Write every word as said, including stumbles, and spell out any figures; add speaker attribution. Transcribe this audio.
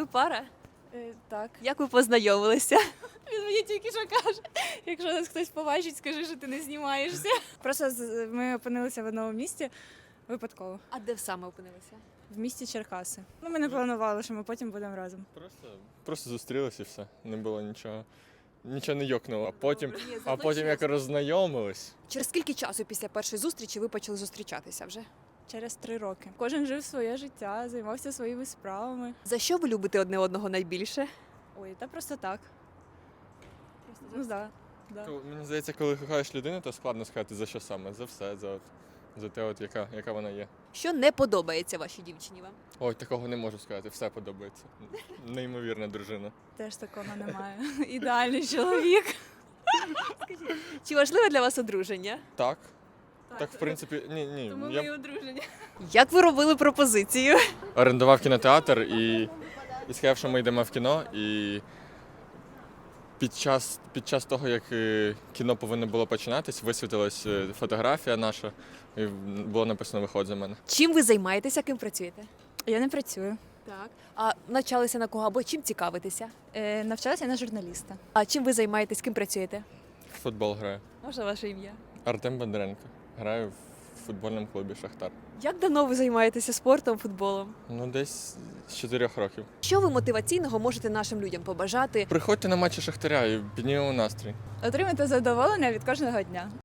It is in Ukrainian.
Speaker 1: Ви пара?
Speaker 2: Е, так.
Speaker 1: Як ви познайомилися?
Speaker 2: Він мені тільки що каже, якщо нас хтось побачить, скажи, що ти не знімаєшся. Просто з- ми опинилися в одному місті випадково,
Speaker 1: А де саме опинилися?
Speaker 2: в місті Черкаси. Ну, ми не планували, що ми потім будемо разом.
Speaker 3: Просто, просто зустрілися і все. Не було нічого. Нічого не йокнуло. А потім,
Speaker 1: Добре, ні,
Speaker 3: а
Speaker 1: зато
Speaker 3: потім як
Speaker 1: чесно.
Speaker 3: роззнайомились.
Speaker 1: Через скільки часу після першої зустрічі ви почали зустрічатися вже?
Speaker 2: Через три роки. Кожен жив своє життя, займався своїми справами.
Speaker 1: За що ви любите одне одного найбільше?
Speaker 2: Ой, та просто так. Ну так. Да, да.
Speaker 3: Коли- Мені здається, коли кохаєш людину, то складно сказати за що саме. За все, за, от, за те, от, яка, яка вона є.
Speaker 1: Що не подобається вашій дівчині вам?
Speaker 3: Ой, такого не можу сказати, все подобається. Неймовірна дружина.
Speaker 2: Теж такого немає. Ідеальний чоловік.
Speaker 1: Чи важливе для вас одруження?
Speaker 3: Так. Так, в принципі, ні, ні. Я б
Speaker 2: одружені.
Speaker 1: Як ви робили пропозицію?
Speaker 3: орендував кінотеатр і, і сказав, що ми йдемо в кіно. І під час, під час того, як е, кіно повинно було починатись, висвітилась е, фотографія наша, і було написано «Виходь за мене».
Speaker 1: Чим ви займаєтеся, ким працюєте?
Speaker 2: Я не працюю.
Speaker 1: Так. А навчалися на кого або чим цікавитеся?
Speaker 2: Е, навчалася на журналіста.
Speaker 1: А чим ви займаєтесь, ким працюєте?
Speaker 3: В футбол граю.
Speaker 1: Можна ваше ім'я?
Speaker 3: Артем Бондаренко. Граю в футбольному клубі «Шахтар».
Speaker 1: Як давно ви займаєтеся спортом, футболом?
Speaker 3: Ну, десь з чотирьох років.
Speaker 1: Що ви мотиваційного можете нашим людям побажати?
Speaker 3: Приходьте на матчі Шахтаря і піднімемо настрій.
Speaker 2: Отримати задоволення від кожного дня.